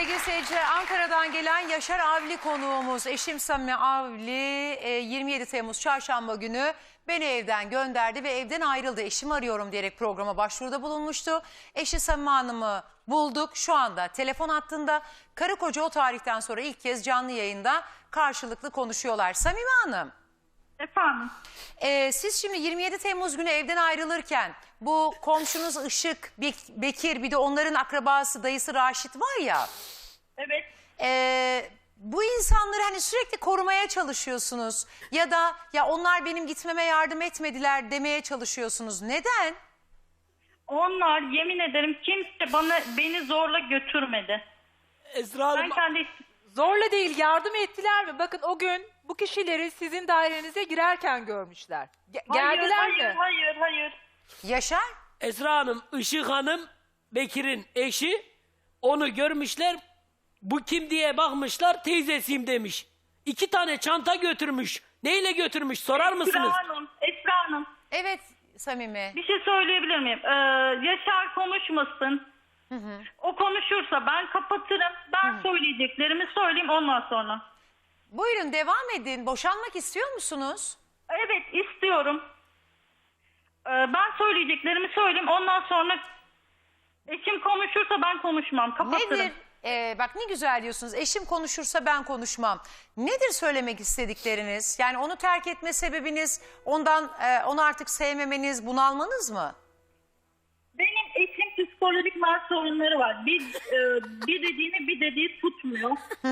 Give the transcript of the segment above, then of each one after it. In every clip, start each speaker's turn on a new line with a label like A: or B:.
A: sevgili seyirciler, Ankara'dan gelen Yaşar Avli konuğumuz. Eşim Samimi Avli 27 Temmuz çarşamba günü beni evden gönderdi ve evden ayrıldı. Eşimi arıyorum diyerek programa başvuruda bulunmuştu. Eşi Samimi Hanım'ı bulduk. Şu anda telefon hattında. Karı koca o tarihten sonra ilk kez canlı yayında karşılıklı konuşuyorlar. Samimi Hanım.
B: Efendim?
A: Siz şimdi 27 Temmuz günü evden ayrılırken bu komşunuz Işık, Bekir, bir de onların akrabası dayısı Raşit var ya.
B: Evet.
A: Bu insanları hani sürekli korumaya çalışıyorsunuz ya da ya onlar benim gitmeme yardım etmediler demeye çalışıyorsunuz. Neden?
B: Onlar yemin ederim kimse beni zorla götürmedi.
C: Esra Hanım,
B: Ben kendi
D: Zorla değil, yardım ettiler mi? Bakın o gün bu kişileri sizin dairenize girerken görmüşler. Geldiler mi?
B: Hayır.
A: Yaşar?
C: Esra Hanım, Işık Hanım, Bekir'in eşi, onu görmüşler. Bu kim diye bakmışlar, teyzesiyim demiş. 2 tane çanta götürmüş. Neyle götürmüş sorar mısınız?
B: Esra Hanım.
A: Evet Samimi.
B: Bir şey söyleyebilir miyim? Yaşar konuşmasın. O konuşursa ben kapatırım. Ben söyleyeceklerimi söyleyeyim ondan sonra.
A: Buyurun devam edin. Boşanmak istiyor musunuz?
B: Evet istiyorum. Ben söyleyeceklerimi söyleyeyim ondan sonra eşim konuşursa ben konuşmam. Kapatırım.
A: Nedir? Bak ne güzel diyorsunuz. Eşim konuşursa ben konuşmam. Nedir söylemek istedikleriniz? Yani onu terk etme sebebiniz, onu artık sevmemeniz, bunalmanız mı?
B: Benim eşim psikolojik sorunları var. Bir dediğini bir dediği tutmuyor.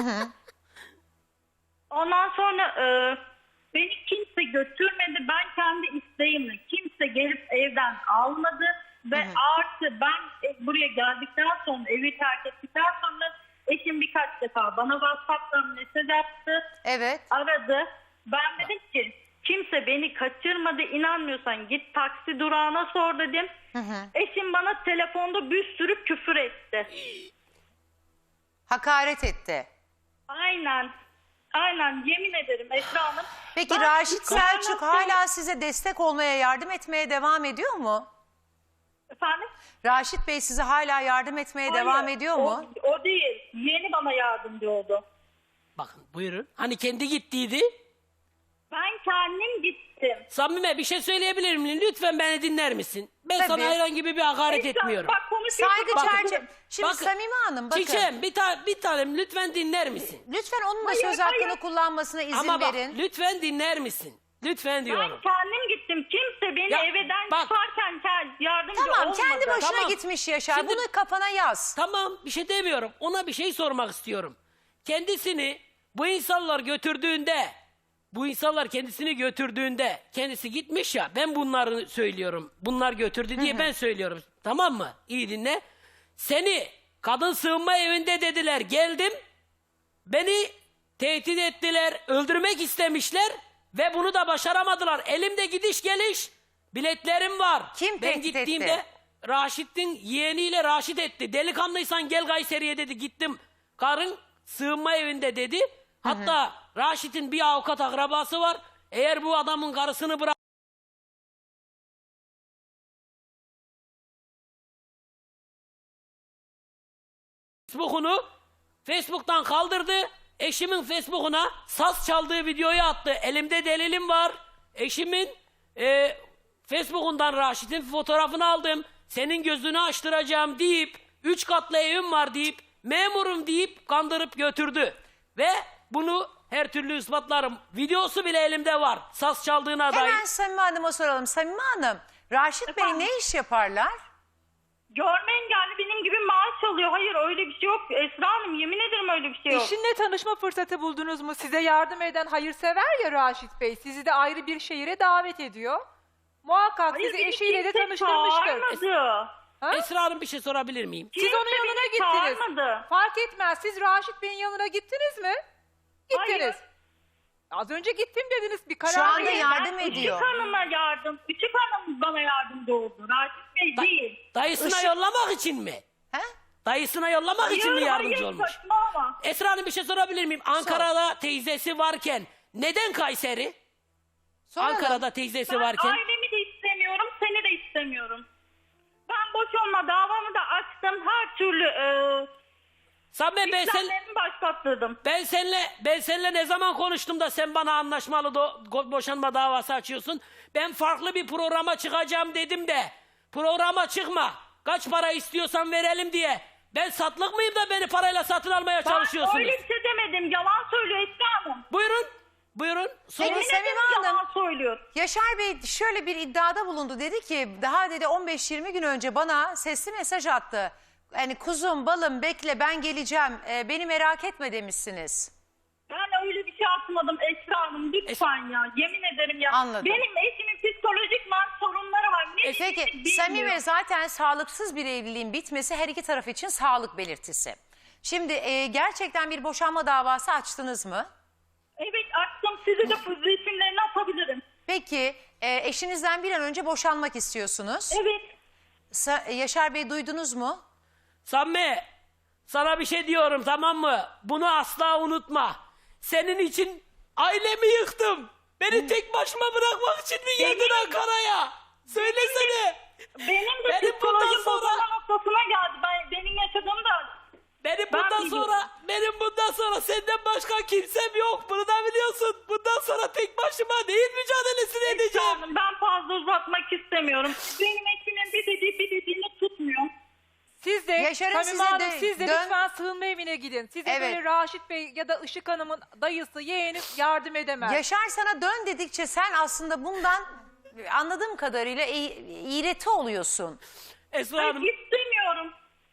B: Ondan sonra beni kimse götürmedi. Ben kendi isteğimle kimse gelip evden almadı. Ve artı ben buraya geldikten sonra evi terk ettikten sonra eşim birkaç defa bana WhatsApp'tan mesaj attı.
A: Evet.
B: Aradı. Ben dedim ki kimse beni kaçırmadı. İnanmıyorsan git taksi durağına sor dedim. Eşim bana telefonda bir sürü küfür etti.
A: Hakaret etti.
B: Aynen yemin ederim Esra Hanım.
A: Peki
B: Ben
A: Raşit
B: çıkarmak
A: Selçuk hala size destek olmaya, yardım etmeye devam ediyor mu?
B: Efendim?
A: Raşit Bey size hala yardım etmeye devam
B: Hayır,
A: ediyor mu?
B: O değil. Yeni bana yardımcı oldu.
C: Bakın buyurun. Hani kendi gittiydi.
B: Ben kendim gittim.
C: Samime bir şey söyleyebilir miyim? Lütfen beni dinler misin? Ben
A: Tabii.
C: sana herhangi bir hakaret
B: Esra,
C: etmiyorum.
B: Bak konuşuyorsun.
A: Saygı
B: Bak,
A: çerçeve. Şimdi
C: bakın,
A: Samime Hanım bakın.
C: Çiçeğim bir tanem lütfen dinler misin?
A: Lütfen onun da
B: Hayır,
A: söz hakkını
B: hayır.
A: kullanmasına izin
C: Ama bak
A: verin.
C: lütfen dinler misin? Lütfen
B: Ben
C: diyorum.
B: kendim gittim. Kimse beni
C: Ya,
B: evden
C: bak.
B: çıkarken yardımcı
A: Tamam
B: olmadı.
A: kendi başına
C: Tamam.
A: gitmiş Yaşar.
C: Şimdi-
A: Bunu kafana yaz.
C: Tamam bir şey demiyorum. Ona bir şey sormak istiyorum. Kendisini bu insanlar kendisini götürdüğünde kendisi gitmiş ya, ben bunları söylüyorum. Bunlar götürdü diye ben söylüyorum. Tamam mı? İyi dinle. Seni kadın sığınma evinde dediler, geldim. Beni tehdit ettiler, öldürmek istemişler ve bunu da başaramadılar. Elimde gidiş geliş biletlerim var.
A: Kim
C: ben
A: tehdit
C: gittiğimde
A: etti?
C: Raşit'in yeğeniyle Raşit etti. Delikanlıysan gel Kayseri'ye dedi. Gittim. Karın sığınma evinde dedi. Hatta Raşit'in bir avukat akrabası var. Eğer bu adamın karısını bırak Facebook'tan kaldırdı. Eşimin Facebook'una saz çaldığı videoyu attı. Elimde delilim var. Eşimin Facebook'undan Raşit'in fotoğrafını aldım. Senin gözünü açtıracağım deyip 3 katlı evim var deyip memurum deyip kandırıp götürdü. Ve bunu her türlü ispatlarım. Videosu bile elimde var. Saz çaldığına dair.
A: Hemen Samime Hanım'a soralım. Samime Hanım, Raşit Bey
B: Efendim?
A: ne iş yaparlar?
B: Görme engelli benim gibi maaş alıyor. Hayır öyle bir şey yok. Esra Hanım yemin ederim öyle bir şey yok.
D: Eşinle tanışma fırsatı buldunuz mu? Size yardım eden hayırsever ya Raşit Bey. Sizi de ayrı bir şehire davet ediyor. Muhakkak
B: Hayır,
D: sizi
B: beni
D: eşiyle de
B: kimse
D: tanıştırmıştır.
B: çağırmadı.
D: Ha?
C: Esra Hanım bir şey sorabilir miyim?
D: Siz onun
B: Kimse
D: yanına
B: beni
D: gittiniz.
B: çağırmadı.
D: Fark etmez. Siz Raşit Bey'in yanına gittiniz mi? Gittiniz.
B: Hayır.
D: Az önce gittim dediniz. Bir karar
A: Şu anda
D: verin.
A: yardım ediyor.
B: Küçük hanım bana yardımcı oldu. Raşit Bey değil.
C: Dayısına yollamak için mi?
A: He?
C: Dayısına yollamak için mi yardımcı olmuş?
B: Saçmalama.
C: Esra Hanım bir şey sorabilir miyim? Ankara'da teyzesi varken neden Kayseri?
A: Soralım.
C: Ankara'da teyzesi
B: Ben
C: varken.
B: ailemi de istemiyorum, seni de istemiyorum. Ben boşanma davamı da açtım. Her türlü
C: Samime
B: İşlemlerimi başlattırdım.
C: ben seninle ne zaman konuştum da sen bana anlaşmalı boşanma davası açıyorsun? Ben farklı bir programa çıkacağım dedim de programa çıkma. Kaç para istiyorsan verelim diye. Ben satlık mıyım da beni parayla satın almaya çalışıyorsunuz?
B: Ben öyle bir şey demedim. Yalan söylüyor Esra Hanım.
C: Buyurun. Buyurun. Sorun.
A: Peki,
B: Yemin ederim
A: Samime Hanım.
B: yalan söylüyor.
A: Yaşar Bey şöyle bir iddiada bulundu. Dedi ki daha dedi 15-20 gün önce bana sesli mesaj attı. Hani kuzum balım bekle ben geleceğim beni merak etme demişsiniz.
B: Ben öyle bir şey atmadım Esra Hanım. Lütfen ya. Yemin ederim ya.
A: Anladım.
B: Benim eşimin psikolojik sorunları var. Ne
A: Peki
B: dediğini bilmiyor.
A: Samime zaten sağlıksız bir evliliğin bitmesi her iki taraf için sağlık belirtisi. Şimdi gerçekten bir boşanma davası açtınız mı?
B: Evet açtım. Size de resimlerini atabilirim.
A: Peki eşinizden bir an önce boşanmak istiyorsunuz.
B: Evet.
A: Yaşar Bey duydunuz mu?
C: Samimi, sana bir şey diyorum, tamam mı? Bunu asla unutma. Senin için ailemi yıktım. Beni tek başıma bırakmak için mi geldin Ankara'ya? Söylesene.
B: Benim de
C: Benim bundan
B: psikolojik
C: sonra-
B: bozulma noktasına geldi. Benim yaşadığım da
C: Benim
B: biliyorum.
C: bundan sonra senden başka kimsem yok. Bunu da biliyorsun. Bundan sonra tek başıma neyin mücadelesini
B: Esra
C: edeceğim?
B: Hanım, ben fazla uzatmak istemiyorum. Benim eşimin bir dediğini tutmuyor.
D: Siz de
A: Yaşar'ın
D: Samime
A: size
D: Hanım
A: de
D: siz de
A: dön-
D: lütfen sığınma evine gidin. Size
A: Evet.
D: böyle Raşit Bey ya da Işık Hanım'ın dayısı, yeğeni yardım edemez.
A: Yaşar sana dön dedikçe sen aslında bundan anladığım kadarıyla iğreti oluyorsun.
C: Esra
B: Ben
C: Hanım,
B: istemiyorum.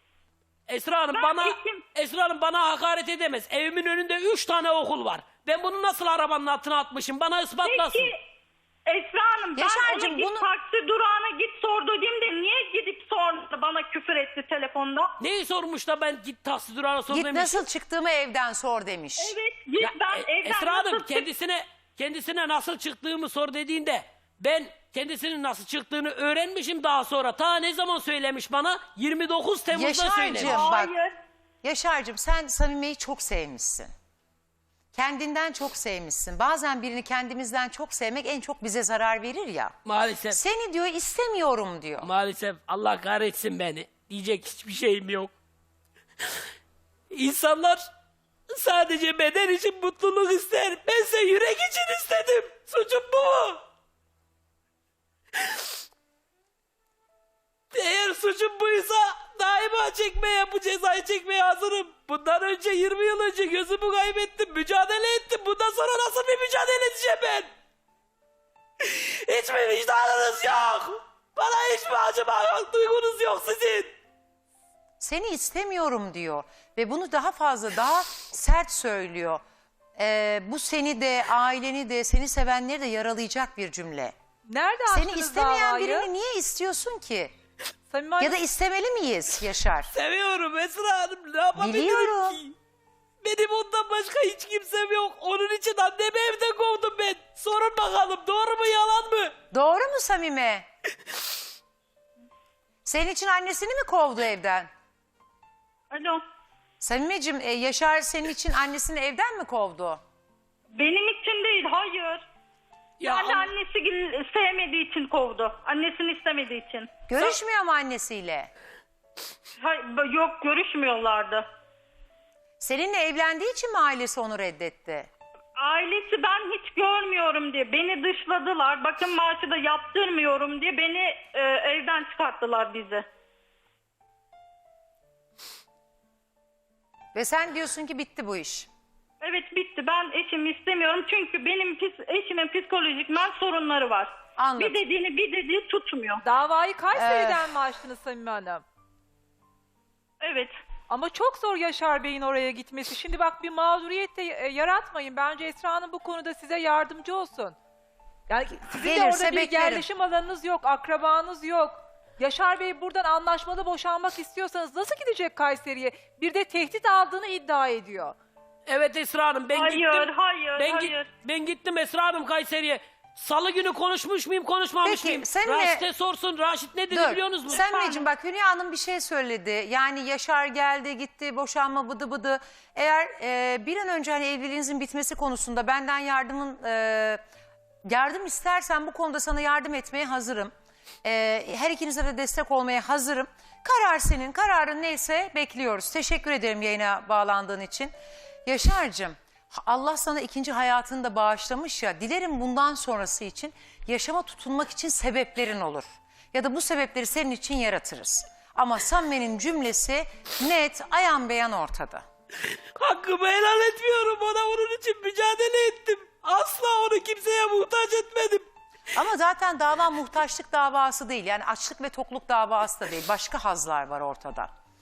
C: Esra Hanım bana hakaret edemez. Evimin önünde 3 tane okul var. Ben bunu nasıl arabanın altına atmışım? Bana ispatlasın.
B: Peki Esra Hanım, ben
A: Yaşar'cığım,
B: ona git
A: bunu-
B: taksi durağına git sor dediğimde niye gidip sordu, bana küfür etti telefonda?
C: Neyi sormuş da ben git taksi durağına sor
A: Git
C: demişim.
A: nasıl çıktığımı evden sor demiş.
B: Evet git
C: Ya,
B: ben evden
C: Esra Hanım
B: nasıl
C: kendisine nasıl çıktığımı sor dediğinde ben kendisinin nasıl çıktığını öğrenmişim daha sonra. Ta ne zaman söylemiş bana? 29 Temmuz'da
A: Yaşar'cığım.
C: söylemiş.
A: Bak.
B: Hayır.
A: Yaşar'cığım sen Samime'yi çok sevmişsin. Kendinden çok sevmişsin. Bazen birini kendimizden çok sevmek en çok bize zarar verir ya.
C: Maalesef.
A: Seni diyor istemiyorum diyor.
C: Maalesef Allah kahretsin beni. Diyecek hiçbir şeyim yok. İnsanlar sadece beden için mutluluk ister. Bense yürek için istedim. Suçum bu mu? Eğer suçum buysa daima bu cezayı çekmeye hazırım. Bundan önce 20 yıl önce gözümü kaybettim. Mücadele ettim. Bundan sonra nasıl bir mücadele edeceğim ben? Hiç mi vicdanınız yok? Bana hiç mi acıma yok? Duygunuz yok sizin?
A: Seni istemiyorum diyor. Ve bunu daha fazla daha sert söylüyor. Bu seni de aileni de seni sevenleri de yaralayacak bir cümle.
D: Nerede
A: Seni
D: açtınız
A: istemeyen
D: davayı?
A: birini niye istiyorsun ki?
D: Samime Hanım,
A: Ya da istemeli miyiz Yaşar?
C: Seviyorum Esra Hanım. Ne yapabilirim
A: Biliyorum.
C: ki? Benim ondan başka hiç kimsem yok. Onun için annemi evden kovdum ben. Sorun bakalım doğru mu yalan mı?
A: Doğru mu Samime? Senin için annesini mi kovdu evden?
B: Alo.
A: Samimeciğim Yaşar senin için annesini evden mi kovdu?
B: Benim için değil, hayır.
C: Ya
B: Yani
C: an-
B: annesi sevmediği için kovdu. Annesini istemediği için.
A: Görüşmüyor mu annesiyle?
B: Yok, görüşmüyorlardı.
A: Seninle evlendiği için mi ailesi onu reddetti?
B: Ailesi ben hiç görmüyorum diye beni dışladılar. Bakın maaşı da yaptırmıyorum diye beni evden çıkarttılar bizi.
A: Ve sen diyorsun ki bitti bu iş.
B: Evet bitti. Ben eşimi istemiyorum çünkü benim eşimin psikolojik sorunları var.
A: Anladım.
B: Bir dediği tutmuyor.
D: davayı Kayseri'den mi açtınız Samime Hanım?
B: Evet.
D: Ama çok zor Yaşar Bey'in oraya gitmesi. Şimdi bak bir mağduriyet de yaratmayın. Bence Esra Hanım bu konuda size yardımcı olsun. Yani sizin de
A: Gelirse
D: orada bir
A: beklerim.
D: yerleşim alanınız yok, akrabanız yok. Yaşar Bey buradan anlaşmalı boşanmak istiyorsanız nasıl gidecek Kayseri'ye? Bir de tehdit aldığını iddia ediyor.
C: Evet Esra Hanım ben
B: Hayır,
C: gittim.
B: hayır.
C: Ben gittim Esra Hanım Kayseri'ye. Salı günü konuşmuş muyum konuşmamış
A: Peki,
C: mıyım?
A: seninle-
C: Raşit'e sorsun. Raşit ne dedi biliyor musunuz mu?
A: Samimeciğim bak Hülya Hanım bir şey söyledi. Yani Yaşar geldi gitti boşanma bıdı bıdı. Eğer bir an önce hani evliliğinizin bitmesi konusunda benden yardım istersen bu konuda sana yardım etmeye hazırım. Her ikinize de destek olmaya hazırım. Karar senin. Kararın neyse bekliyoruz. Teşekkür ederim yayına bağlandığın için. Yaşar'cığım, Allah sana ikinci hayatını da bağışlamış ya. Dilerim bundan sonrası için yaşama tutunmak için sebeplerin olur. Ya da bu sebepleri senin için yaratırız. Ama Samimi'nin cümlesi net, ayan beyan ortada.
C: Hakkımı helal etmiyorum. Ona onun için mücadele ettim. Asla onu kimseye muhtaç etmedim.
A: Ama zaten dava muhtaçlık davası değil. Yani açlık ve tokluk davası da değil. Başka hazlar var ortada.